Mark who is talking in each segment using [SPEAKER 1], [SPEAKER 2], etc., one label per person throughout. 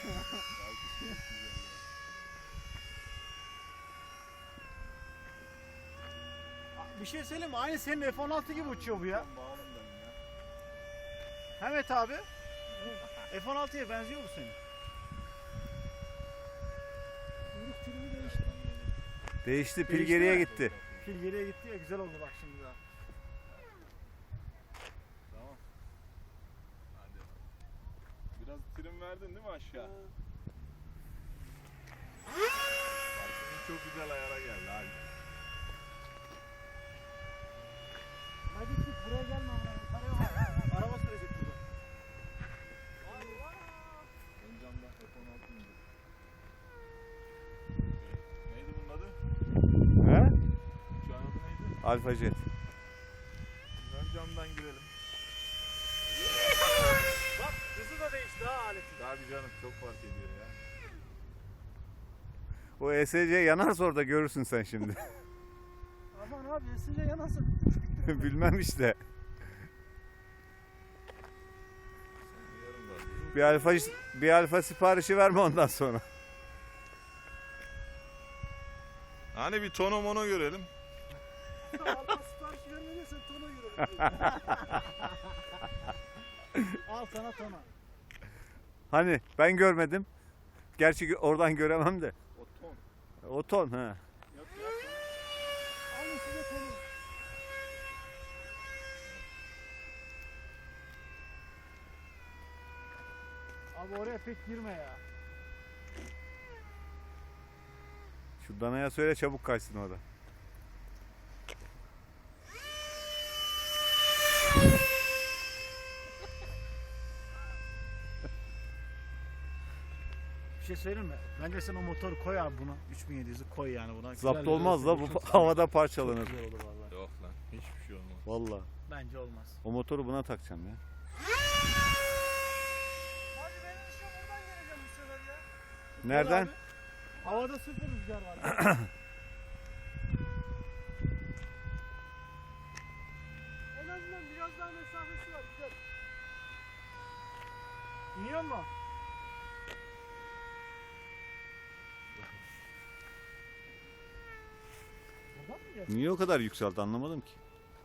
[SPEAKER 1] Bir şey söyleyeyim mi? Aynı senin F-16 gibi uçuyor bu ya. Evet abi. F-16'ya benziyor bu senin.
[SPEAKER 2] Kuyruk türümü değişti.
[SPEAKER 3] Değişti, pil
[SPEAKER 1] Değişti
[SPEAKER 3] geriye
[SPEAKER 1] mi?
[SPEAKER 3] gitti.
[SPEAKER 1] Pil geriye gitti ya, güzel oldu bak şimdi daha.
[SPEAKER 4] Tamam. Hadi. Biraz trim verdin değil mi aşağı? Parkımız çok güzel ayara geldi. Hadi.
[SPEAKER 2] Hadi git buraya gelme amına. Yukarıya bak.
[SPEAKER 1] Araba sürecek burada.
[SPEAKER 4] Ön camdan F-16 indi. Neydi bunun adı?
[SPEAKER 3] He?
[SPEAKER 4] Uçağın adı neydi?
[SPEAKER 3] Alfa Jet.
[SPEAKER 4] Ön camdan girelim.
[SPEAKER 1] Bak hızı da değişti ha aletin.
[SPEAKER 4] Abi canım çok fark ediyor ya.
[SPEAKER 3] O ESC yanarsa orada görürsün sen şimdi.
[SPEAKER 2] Aman abi esince yanasın.
[SPEAKER 3] Bilmem işte.
[SPEAKER 4] Yarın var.
[SPEAKER 3] Bir alfa siparişi verme ondan sonra.
[SPEAKER 4] Hani bir tono mono görelim.
[SPEAKER 2] Alfa sipariş vermediysen tona göre. Al sana tona.
[SPEAKER 3] Hani ben görmedim. Gerçi oradan göremem de.
[SPEAKER 4] O ton.
[SPEAKER 3] O ton ha.
[SPEAKER 4] Yok ya.
[SPEAKER 2] Alın size tonu.
[SPEAKER 1] Abi oraya pek girme ya.
[SPEAKER 3] Şu danaya söyle çabuk kaçsın orada.
[SPEAKER 1] Bir şey söyleyeyim mi? Bence sen o motoru koy abi buna. 3700'ü koy yani buna.
[SPEAKER 3] Zapt
[SPEAKER 1] Güzel
[SPEAKER 3] olmaz
[SPEAKER 1] bir
[SPEAKER 3] la
[SPEAKER 1] görsel,
[SPEAKER 3] bu
[SPEAKER 1] çok
[SPEAKER 3] havada
[SPEAKER 1] Çok
[SPEAKER 3] parçalanır.
[SPEAKER 1] güzel olur vallahi.
[SPEAKER 4] Yok lan. Hiçbir şey olmaz.
[SPEAKER 3] Vallahi.
[SPEAKER 1] Bence olmaz.
[SPEAKER 3] O motoru buna takacağım ya.
[SPEAKER 2] Hadi benim işim buradan geleceğim bu sefer ya.
[SPEAKER 3] Nereden?
[SPEAKER 1] Abi, havada sıfır rüzgar var.
[SPEAKER 2] En azından biraz daha mesafesi var. Güzel.
[SPEAKER 1] İniyor mu?
[SPEAKER 2] Buradan mı geldi?
[SPEAKER 3] Niye o kadar yükseldi anlamadım ki.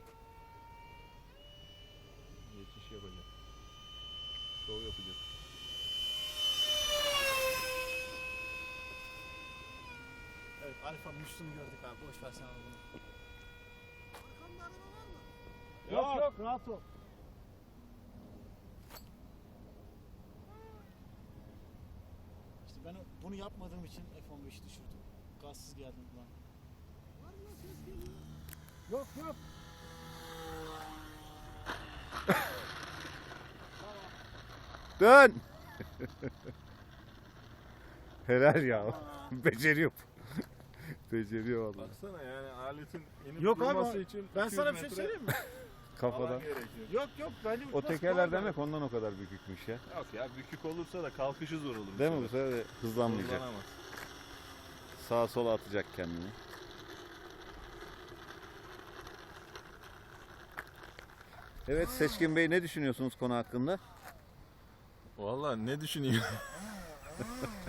[SPEAKER 4] Geçiş yapacak. Şov yapacak.
[SPEAKER 1] Evet, Alfa'nın üstünü gördük abi. Boş ver sen onu.
[SPEAKER 2] Arkamda araba var mı?
[SPEAKER 1] Yok yok, rahat ol. İşte ben bunu yapmadığım için F-15 düşürdüm. Gazsız geldim lan.
[SPEAKER 2] Var mı lan ses geliyor?
[SPEAKER 1] Yok yok.
[SPEAKER 3] Dön! Helal ya. Beceriyor. Beceriyor vallahi.
[SPEAKER 4] Baksana yani aletin inip
[SPEAKER 1] Yok abi,
[SPEAKER 4] durması için
[SPEAKER 1] Ben
[SPEAKER 4] 200
[SPEAKER 1] sana bir şey
[SPEAKER 4] metre
[SPEAKER 1] söyleyeyim mi?
[SPEAKER 3] Kafadan.
[SPEAKER 4] alan gerekiyor.
[SPEAKER 1] Yok yok, bence
[SPEAKER 3] O
[SPEAKER 1] uçması
[SPEAKER 3] tekerler
[SPEAKER 1] kolay.
[SPEAKER 3] demek ondan o kadar bükükmüş ya.
[SPEAKER 4] Yok ya bükük olursa da kalkışı zor olur.
[SPEAKER 3] Değil mi bu sefer de hızlanmayacak.
[SPEAKER 4] Hızlanamaz.
[SPEAKER 3] Sağa sola atacak kendini. Evet Seçkin Bey ne düşünüyorsunuz konu hakkında?
[SPEAKER 4] Vallahi ne düşüneyim?